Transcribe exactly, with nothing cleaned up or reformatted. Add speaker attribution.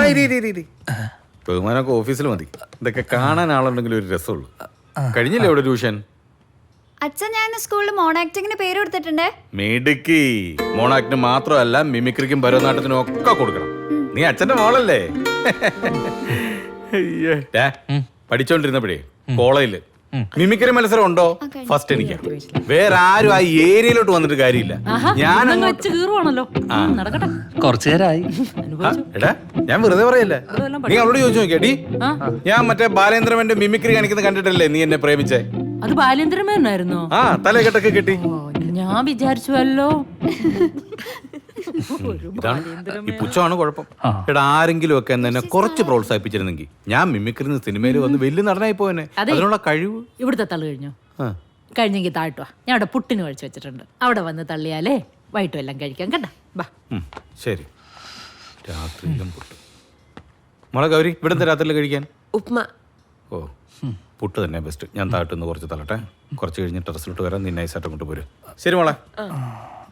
Speaker 1: ബഹുമാനമൊക്കെ ഓഫീസിൽ മതി. ഇതൊക്കെ കാണാൻ ആളുണ്ടെങ്കിൽ ഒരു രസമുള്ളൂ. കഴിഞ്ഞില്ലേ ഇവിടെ ട്യൂഷൻ?
Speaker 2: അച്ഛൻ ഞാൻ സ്കൂളിൽ മോൺ ആക്ടിങ്ങിന് പേര് കൊടുത്തിട്ടുണ്ട്.
Speaker 1: മിടുക്കി. മോണാക്ടിന് മാത്രമല്ല മിമിക്രിക്കും ഭരതനാട്യത്തിനും ഒക്കെ കൊടുക്കണം. നീ അച്ഛന്റെ മോളല്ലേ? പഠിച്ചോണ്ടിരുന്നപ്പോഴേ കോളേജില് മിമിക്രി മത്സരം ഉണ്ടോ? ഫസ്റ്റ് എനിക്ക്. വേറെ ആരും ആ ഏരിയയിലോട്ട് വന്നിട്ട് കാര്യമില്ല. ഞാൻ
Speaker 3: കുറച്ചു നേരമായി.
Speaker 1: എടാ ഞാൻ വെറുതെ പറയല്ലേ, നീ അവളോട് ചോദിച്ചു നോക്കിയാടി. ഞാൻ മറ്റേ ബാലേന്ദ്രമന്റെ മിമിക്രി കാണിക്കുന്നത് കണ്ടിട്ടല്ലേ നീ എന്നെ പ്രേമിച്ചേ?
Speaker 4: അത് ബാലേന്ദ്രമേനായിരുന്നോ?
Speaker 1: ആ തലകെട്ടൊക്കെ കെട്ടി.
Speaker 4: ഞാൻ വിചാരിച്ചുവല്ലോ
Speaker 1: ഇതാണ് ഈ പുച്ഛമാണ് കുഴപ്പം. എടാ ആരെങ്കിലും ഒക്കെ എന്നെ കുറച്ച് പ്രോത്സാഹിപ്പിച്ചിരുന്നെങ്കിൽ ഞാൻ മിമിക്രി സിനിമയിൽ വന്ന് വലിയ നടനായി പോയനെ. അതിനുള്ള കഴിവ്.
Speaker 4: ഇവിടുത്തെ തള്ളു കഴിഞ്ഞോ? കഴിഞ്ഞെങ്കിൽ താഴ്ത്തുവാ, ഞാൻ അവിടെ പുട്ടിന് കഴിച്ചു വെച്ചിട്ടുണ്ട്. അവിടെ വന്ന് തള്ളിയാലേ വൈകിട്ടും എല്ലാം കഴിക്കാം കേട്ടാ. ബാ
Speaker 1: ശരി. രാത്രിയിലും പുട്ട്. മോളെ ഗൗരി, ഇവിടുത്തെ രാത്രിയിൽ കഴിക്കാൻ
Speaker 5: ഉപ്മ.
Speaker 1: ഓ പുട്ട് തന്നെ ബെസ്റ്റ്. ഞാൻ താഴ്ത്തുനിന്ന് കുറച്ച് തള്ളട്ടെ. കുറച്ച് കഴിഞ്ഞ് ടെറസിലോട്ട് വരാൻ നീ നൈസായിട്ട് കൊണ്ട് പോരും. ശരി മോളെ.